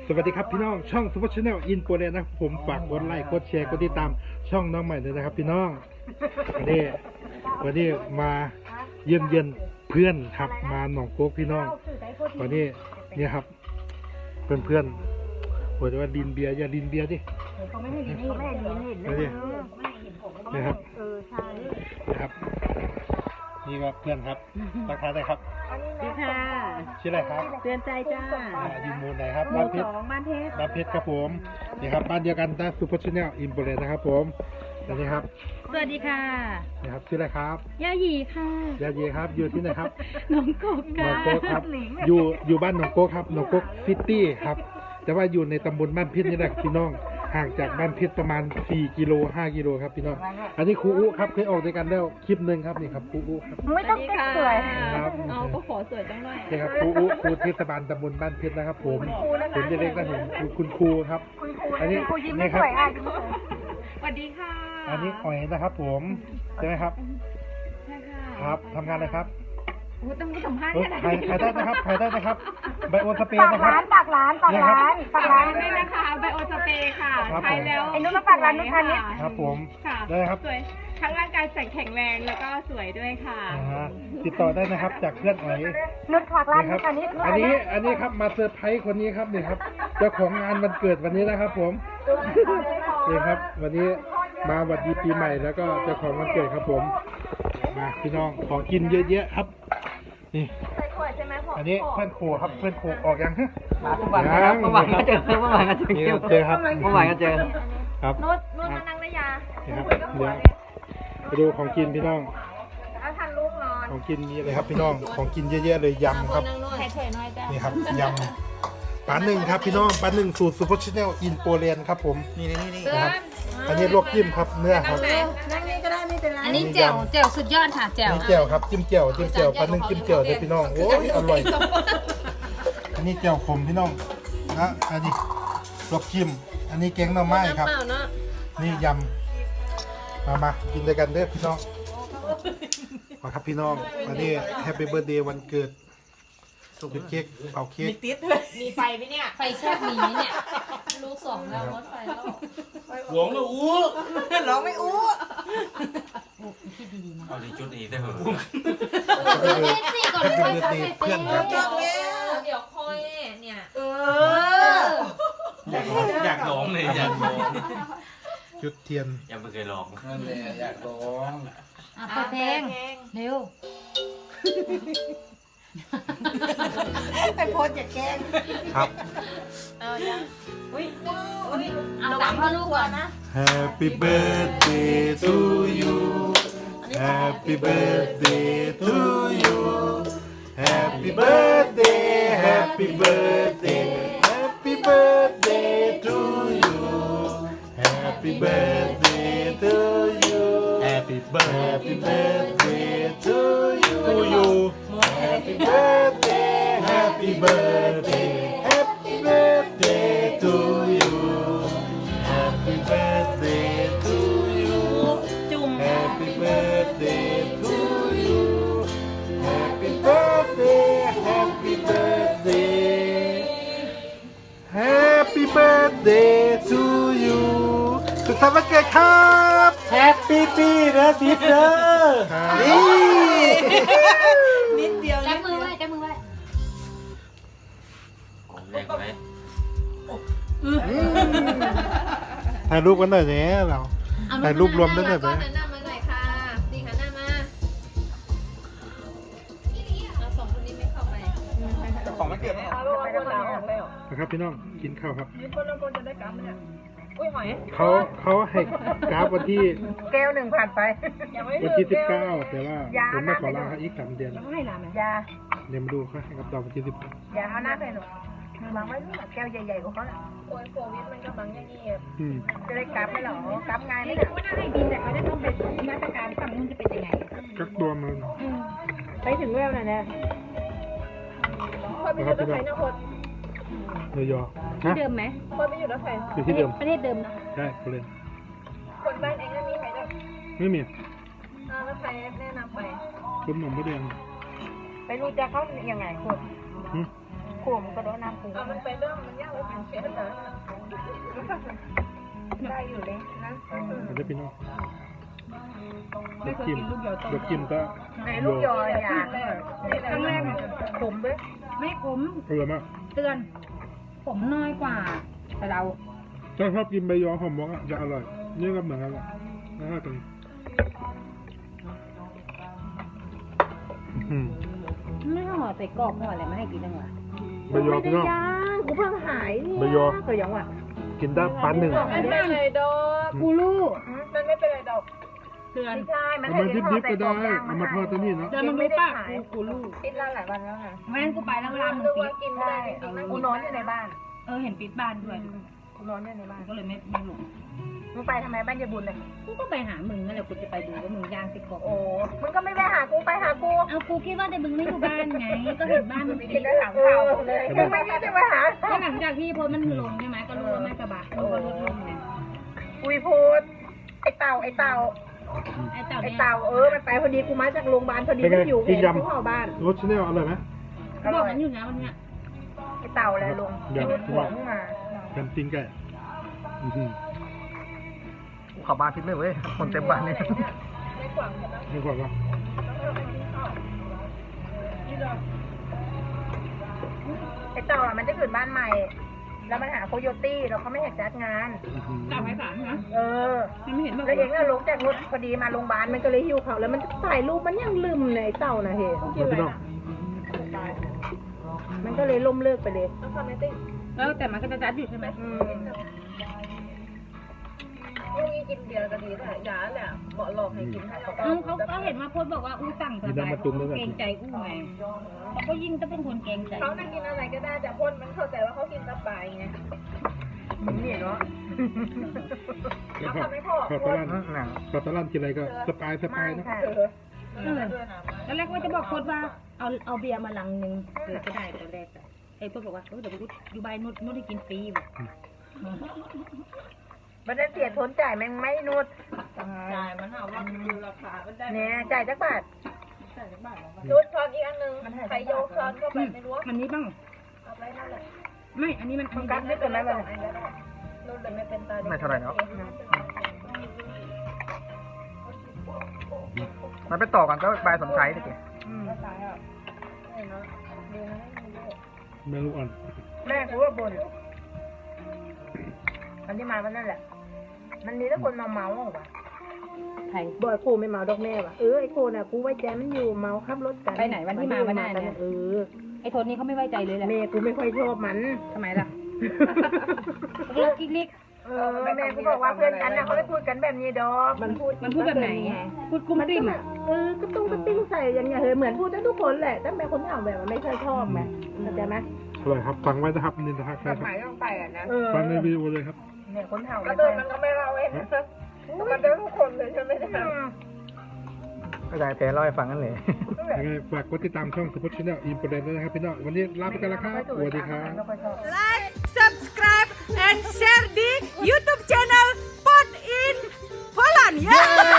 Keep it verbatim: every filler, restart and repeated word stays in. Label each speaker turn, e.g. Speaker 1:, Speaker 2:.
Speaker 1: สวัสดีครับพี่น้องช่องซูเปอร์ชาแนลอินโปรเดนนะผมฝากกดไลค์กดแชร์กดติดตามช่องน้องใหม่เลยนะครับพี่น้องวันนี้วันนี้มาเยี่ยมเยียนเพื่อนครับมาหนองโก๊กพี่น้องวันนี้เนี่ยครับเพื่อนเพื่อนบอกว่าดินเบียร์อย่าดินเบียร์ดิ
Speaker 2: เขาไม่ให้ดินเขาไม่ให้ดินเห็นเลยไม่ให้เห็นผม
Speaker 1: นะครับ
Speaker 2: เออใช่
Speaker 1: นะครับนี่ครับเพื่อนครับทักทายได้ครับ
Speaker 2: ดีค่ะ
Speaker 1: ชื่ออะไรครับ
Speaker 2: เตือนใจจ้า
Speaker 1: อ่าอยู่หมู่ไหนครับ
Speaker 2: ห
Speaker 1: บ้า
Speaker 2: มู่
Speaker 1: นเพ
Speaker 2: ส
Speaker 1: ชร
Speaker 2: องบ้านเพชร
Speaker 1: บ้านเพชรครับผมนี่ครับบ้านเดียวกันนะซูเปอร์ชาแนลอินโปรเดนนะครับผมอันนี้ครับ
Speaker 2: สวัสดีค่ะ
Speaker 1: นี่ครับชื่ออะไรครับ
Speaker 2: ย่าหยีค่ะ
Speaker 1: ยาเยครับอยู่ที่ไหนครับ
Speaker 2: น้องกบ
Speaker 1: หน
Speaker 2: ค่ะ
Speaker 1: องโก๊กครับอยู่อยู่บ้านหนองโก๊กครับหนองโก๊กซิตี้ครับแต่ว่าอยู่ในตำบลบ้านพิษนี่แหละพี่น้องห่างจากบ้านพิษประมาณสี่กิโลห้ากิโลครับพี่น้องอันนี้ครูอุครับเคยออกด้วยกันแล้วคลิปหนึ่งครับนี่ครับครูอุครับ
Speaker 2: ไม่ต้องเต้นสวย
Speaker 1: ครับ
Speaker 2: เอาก็ขอสวยจังหน่อย
Speaker 1: นี่ครับครูอุครูเทศบาลตำบลบ้านพิษนะครับผมผมจะเรียกนะผมคุณครูครับอันนี้นี่ครับ
Speaker 2: สวัสดีค่ะ
Speaker 1: อันนี้อ๋อยนะครับผมใช่ไหมครับ
Speaker 2: ใช่ค่ะ
Speaker 1: ครับทำงานอะไรครับ
Speaker 2: โอ้ต้องสัมภาษณ์
Speaker 1: เฮ้ย
Speaker 2: กันนะ
Speaker 1: ขายขายได้นะครับขายได้นะครับไบโอสเปนนะครับ
Speaker 3: ปากร้านปากร้านปากร้าน
Speaker 2: ได้นะคะไบโอสเปรย์ค่ะ
Speaker 1: ครับ
Speaker 2: ใช้แล้ว
Speaker 3: ไอ้นุ่นมาปากร้านนุ่นทานนิด
Speaker 1: ครับผม
Speaker 2: ค่ะ
Speaker 1: ได้ครับ
Speaker 2: สวยทั้งร่างกายแข็งแรงแล้วก็สวยด้วยค่ะ
Speaker 1: อ่าฮะติดต่อได้นะครับจากเพื่อนอ๋อย
Speaker 3: นุ่นปากร้าน
Speaker 1: นี่ค
Speaker 3: นุ่
Speaker 1: รับ
Speaker 3: นทานนิด
Speaker 1: อันนี้อันนี้ครับมาเซอร์ไพรส์คนนี้ครับนี่ครับเจ้าของงานวันเกิดวันนี้นะครับผมนี่ครับ วันนี้มาหวัดดีปีใหม่แล้วก็เจ้าของวันเกิดครับผมมาพี่น้องของกินเยอะๆครับนี่อันนี้เพื่อนโคครับเพื่อนโคออกยังฮะ
Speaker 4: มาเมื่อวานครับเมื่อวานก็เจอเมื่อวานก็เจอ
Speaker 1: นี่เจอครับ
Speaker 4: เมื่อวานก็เจอ
Speaker 1: ครับ
Speaker 2: นุชนุชมานั่งนะยา
Speaker 1: นี่ครับเดี๋ยวไปดูของกินพี่น้อง
Speaker 2: แล้วทันลูกนอน
Speaker 1: ของกินมีอะไรครับพี่น้องของกินเยอะๆเลยยำครับ
Speaker 2: ใครเฉยน้อยจ้ะ
Speaker 1: นี่ครับยำปลาหนึ่งครับพี่น้องปลาหนึ่งสูตรซูเปอร์ชาแนลอินโปเลียนครับผม
Speaker 4: นี่นี่นี่
Speaker 1: นะครับอันนี้ลวกจิ้มครับเนื้อครับ
Speaker 3: นั่งนี่ก็ได้ไม่เป็นไร
Speaker 5: อันนี้แจ่วแจ่วสุดยอดค่ะแจ่ว
Speaker 1: นี่เจียวครับจิ้มเจียวจิ้มเจียวปลาหนึ่งจิ้มเจียวเลยพี่น้องโอ้ยอร่อยอันนี้เจียวขมพี่น้องนะอันนี้ลวกจิ้มอันนี้แกงหน่อไม้ครับนี่ยำมามากินด้วยกันเด้อพี่น้องมาครับพี่น้องอันนี้แฮปปี้เบิร์ดเดย์วันเกิดจุดเค้กเป่าเค้ก
Speaker 5: มีไฟไหมเนี่ย ไฟแช่มีไหมเนี่ยลูกสองแล้วรถไฟแล้ว
Speaker 6: หลวงแล้วอู้
Speaker 4: ร้องไม่อู้
Speaker 6: เอาดีจุดนี้ได้เหรอ
Speaker 5: เต้นสิก่อน
Speaker 1: แฮป
Speaker 5: เล
Speaker 1: ปี้
Speaker 5: ย
Speaker 1: เบิร์ดเดย์เพื่อนครับ
Speaker 5: เดี๋ยวคอยเนี่ย
Speaker 4: เออ
Speaker 6: อยากอยากร้องเลยอยากร้อง
Speaker 1: จุดเทียน
Speaker 6: ยังไม่เคยร้อง
Speaker 4: นั่นแหละอยากร้อง
Speaker 5: อ่ะเปิดเพลงเร็ว
Speaker 3: ไปโพสอย่าแกล้ง
Speaker 1: ครับ
Speaker 5: เอาสามพ่อลูกก่อนนะ
Speaker 1: Happy birthday to you Happy birthday to you Happy birthday Happy birthday Happy birthday to you Happy birthday to you Happy birthday to you Happy birthday Happy birthday Happy birthday to you Happy birthday to you
Speaker 2: จุ่ม
Speaker 1: Happy birthday to you Happy birthday Happy birthday Happy birthday to you สุขสันต์วันเกิดครับ
Speaker 4: Happy ปีนะทิพย์เด้อ
Speaker 1: นี่
Speaker 3: นิดเดียว
Speaker 5: จับมือไว้จับมือไว้
Speaker 6: ผมแรกไว้
Speaker 1: ถ่ายรูปกันหน่อยเนี่ยเรา ถ่ายรูปรวมได้ไหม
Speaker 5: ก่อนหันหน้ามาหน่อยค่ะดีหันหน้ามาเราสองคนนี้ไม่เข้าไป
Speaker 4: ของมันเกิดไม่ออก
Speaker 1: นะครับพี่น้องกินข้าวครับ
Speaker 2: อุ้ยหอย
Speaker 1: เขาเขาให้กราฟวันที่
Speaker 3: แก้วหนึ่งผ่านไป
Speaker 1: วันที่สิบเก้าแต่ว่าผมไม่ขอลาเขาอีกสามเดือน
Speaker 2: ให้ร้านไหม
Speaker 3: ยา
Speaker 1: เดี๋ยวมาดูเขาให้กับดอกวันที่สิบ
Speaker 3: ยาเอาหน้าไปหนูวางไว้ด้วยแก้วใหญ่ๆของเขาน่ะ
Speaker 2: โอ้ยโควิดมันกำลังยังเงียบ
Speaker 1: อืม
Speaker 3: จะได้กลับไหมหรอกลับง่ายไหม
Speaker 2: ไม่
Speaker 3: น่ะ
Speaker 2: รู้ว่าให้บินแต่เขาจะต้องเป็นมาตรการฝั่งนู้นจะเป็นยังไง
Speaker 1: กักตัวมัน
Speaker 2: ไปถึงเวลน่ะนะคนไปอยู่รถไฟนคร
Speaker 1: เนยอ
Speaker 2: ที่
Speaker 1: ฮะ
Speaker 2: เดิมไหมคนไปอยู่รถไฟ
Speaker 1: อยู่ที่เดิม
Speaker 2: ประเทศเดิมเนาะ
Speaker 1: ใช่เขาเล่น
Speaker 2: คนบ้านเองก็มีใครจะ
Speaker 1: ไม่มี
Speaker 2: เอารถไฟแนะนำไป
Speaker 1: คุณหนุ่มไม่แดง
Speaker 3: ไปรู้จักเขายังไงคน
Speaker 1: หึ
Speaker 3: ขมก็ได้น้ำปูมันไปเรื่องมันยากเลยมันเสียนะได้อยู่เลยนะ
Speaker 1: มันจะพี่น้องเด็กกิมเด็กกิมก็
Speaker 3: ไหนลูกยออย่าครั้งแรกขมด้วย
Speaker 2: ไม่ขม
Speaker 1: อร่อยมาก
Speaker 2: เตือนผมน้อยกว่าแต่เรา
Speaker 1: ถ้าชอบกินใบยอหอมมอกอ่ะจะอร่อยนี่ก็เหมือนกันแหละน่ากินอืม
Speaker 2: ไม่ห่อใส่กรอบห่ออะไรไม่ให้กินจังหวะ
Speaker 1: ใบยอพี่น้อง
Speaker 3: กูเพิ่งหายนี่
Speaker 1: ใบยอ
Speaker 3: ก็ยังว่ะ
Speaker 1: กินได้ปันหนึ่ง
Speaker 3: มันไม่เป็นไรดอก
Speaker 2: กูรู้
Speaker 3: มันไม่เป็นไรดอก
Speaker 2: เตือน
Speaker 3: ไม่ใช่มัน
Speaker 1: เอามาดิบๆก็ได้เอามาทอดตัวนี้เนาะ
Speaker 2: เดินมาดูป้ากูกูรู้
Speaker 3: ปิดร้านหลายวันแล้วค่ะ
Speaker 2: แม่งกูไปแล้วเวลามึงปิด
Speaker 3: กินได้กูนอนอยู่ในบ้าน
Speaker 2: เออเห็นปิดบ้านด้วย
Speaker 3: กูนอนอยู่ในบ้าน
Speaker 2: ก็เลยไม่ไม่หลง
Speaker 3: มึงไปทำไมบ้านยายบุญเลย
Speaker 2: กูก็ไปหามึงนั่นแหละกูจะไปดูว่ามึงย่างสิกรอบ
Speaker 3: โอ้มึงก็ไม่ไปหากูไปหากู
Speaker 2: เอากูคิดว่าแต่มึงไม่อยู่บ้านไง ก็เห็นบ้านมึง
Speaker 3: กิ
Speaker 2: ปิ
Speaker 3: น
Speaker 2: ด
Speaker 3: ได้ถามข่าวเลยมึงไม่คิดจะไปหา
Speaker 2: ก็หลังจากที่โพสมันลงใช่ไหมก็รู้ว่าแม่กระบะรู้ว่าลดลงไง
Speaker 3: อุยพูดไอเต่าไอเต่า
Speaker 2: ไอ้เต่า
Speaker 3: ไอ
Speaker 2: เนี่ย
Speaker 3: เต่าเออมันไปพอดีกูมาจากโรงพยาบาลพอดีมันอยู่เองที่หอบ้าน
Speaker 1: รสชาแนลอร่อยไหม
Speaker 2: บอกมันอยู่นะวันเนี้ย
Speaker 3: ไอเต่าอะไรลุง
Speaker 1: เดี๋ยว
Speaker 3: รถหัวมึงมา
Speaker 1: กันติ้งไก่อื้อหือ
Speaker 4: ขับบ้านพิษเลยเว้ยคนเต็มบ้านนี่
Speaker 1: นี่ก่อนก็
Speaker 3: ไอเต่าอ่ะมันจะขึ้นบ้านใหม่ แล้วมันหาโคโยตี้แล้วเขาไม่อยากจัดงาน
Speaker 1: อื้อหือ
Speaker 2: เต่าไม้สามนะ
Speaker 3: เออ
Speaker 2: มันไม่เห็นบอก
Speaker 3: แล้วเองก็ลงจากรถพอดีมาโรงพยาบาลมันก็เลยหิวเขาแล้วมันถ่ายรูปมันยังลืมเลยไอ้เต่านะเฮ้
Speaker 1: มาพี่น้อง
Speaker 3: มันก็เลยล่มเลิกไปเลย
Speaker 2: แล้วแต่มันก็จะจัดอยู่ใช่ไหม
Speaker 3: อืมลูกนี้กินเบียร์ก็ดีนะยาแหละเหมาะหลอกให้กินให้เรา
Speaker 2: เออเขาก็เห็นมาโพสบอกว่าอู้สั่งสบายเขาเกรงใจอู้ไงเขาก็ยิ่งจะเป็นคนเกรงใจ
Speaker 3: เขานั่งกินอะไรก็ได้แต่พ่นมันเข้าใจว่าเขากินสบายไงมึงนี่เนาะ
Speaker 1: แล้วก็ขอตะลั่นขอตะลั่นกินอะไรก็สปายสปายนะ
Speaker 3: เออ
Speaker 2: เออตอนแรกว่าจะบอกโพสว่าเอาเอาเบียร์มาลังนึงเออก็ได้ตอนแรกอะไอ้โพสบอกว่าเออเดี๋ยวกูอยู่บ้านนุชนุชให้กินฟรีแบบ
Speaker 3: มันจะเสียทนจ่ายแม่งไม่นุด
Speaker 5: จ่ายมันหาว่าดูราคามันได้
Speaker 3: เนี่ยจ่ายจักบาท
Speaker 5: ชุดช้อนอีกอันหนึ่งใครโยกช้อนเข้าไปไม่รู้
Speaker 2: มันนี้บ้าง
Speaker 5: เอาไปนั่นแหละ
Speaker 2: ไม่ อันนี้มันอัน
Speaker 3: มัน
Speaker 2: นี้
Speaker 3: กัดไม่เป็นไรบ้าง
Speaker 5: รุ่นเลยไม่เป็นตา
Speaker 4: ไม่เท่าไหร่เนาะมันไปต่อกันก็บายสมชัยดิ
Speaker 1: แม่ลูกอ่อน
Speaker 3: แม่กูว่าบ่นอันที่มาวันนั่นแหละ มันมีแต่คนเมาเมาๆว่ะ
Speaker 2: ใคร
Speaker 3: บ่อยโคไม่เมาดอกแม่ว่ะเออไอโคน่ะกูไว้ใจมันอยู่เมาขับรถกัน
Speaker 2: ไปไหนวันที่มาวันหน้าเนี่ย
Speaker 3: เออ
Speaker 2: ไอ้โทนนี้เขาไม่ไว้ใจเลยแหละ
Speaker 3: แม่กูไม่ค่อยชอบมัน
Speaker 2: ทำไมล่ะเลิกกิ๊กลิก
Speaker 3: เออแม่กูบอกว่าเพื่อนกันน่ะเขาไม่พูดกันแบบนี้ดอกมันพูด
Speaker 2: มันพูดแบบไหนพูดกุ้ม
Speaker 3: มัน
Speaker 2: กลิ่ม
Speaker 3: ก็แบบเออก็ต้องกระติ้งใส่อย่างเงี้ยเฮ้ยเหมือนพูดได้ทุกคนแหละแต่แม่คนที่เอาแบบมันไม่ค่อยชอบไหมเข้าใจไหม
Speaker 1: อร่อยครับฟังไว้นะครับนี่นะครับ
Speaker 3: หมายต้องไปอ่ะนะ
Speaker 1: ฟังในวิดีโอเลยครับ
Speaker 3: เนี่ยคนเฒ่าก็เดินมันก็ไม่เล่าเองมันเดินทุกคนเลยใช่ไหมเนี่ย
Speaker 4: ก็ได้แพ้เล่าให้ฟังกันเลย
Speaker 1: ยังไงฝากกดติดตามช่องสปอร์ตชาแนลอินโปรเดนด้วยนะครับพี่น้องวันนี้ลาไปกันแล้วครับสวัสดีครับ
Speaker 7: Like, subscribe, and share di YouTube channel Pot in Holland. Yeah.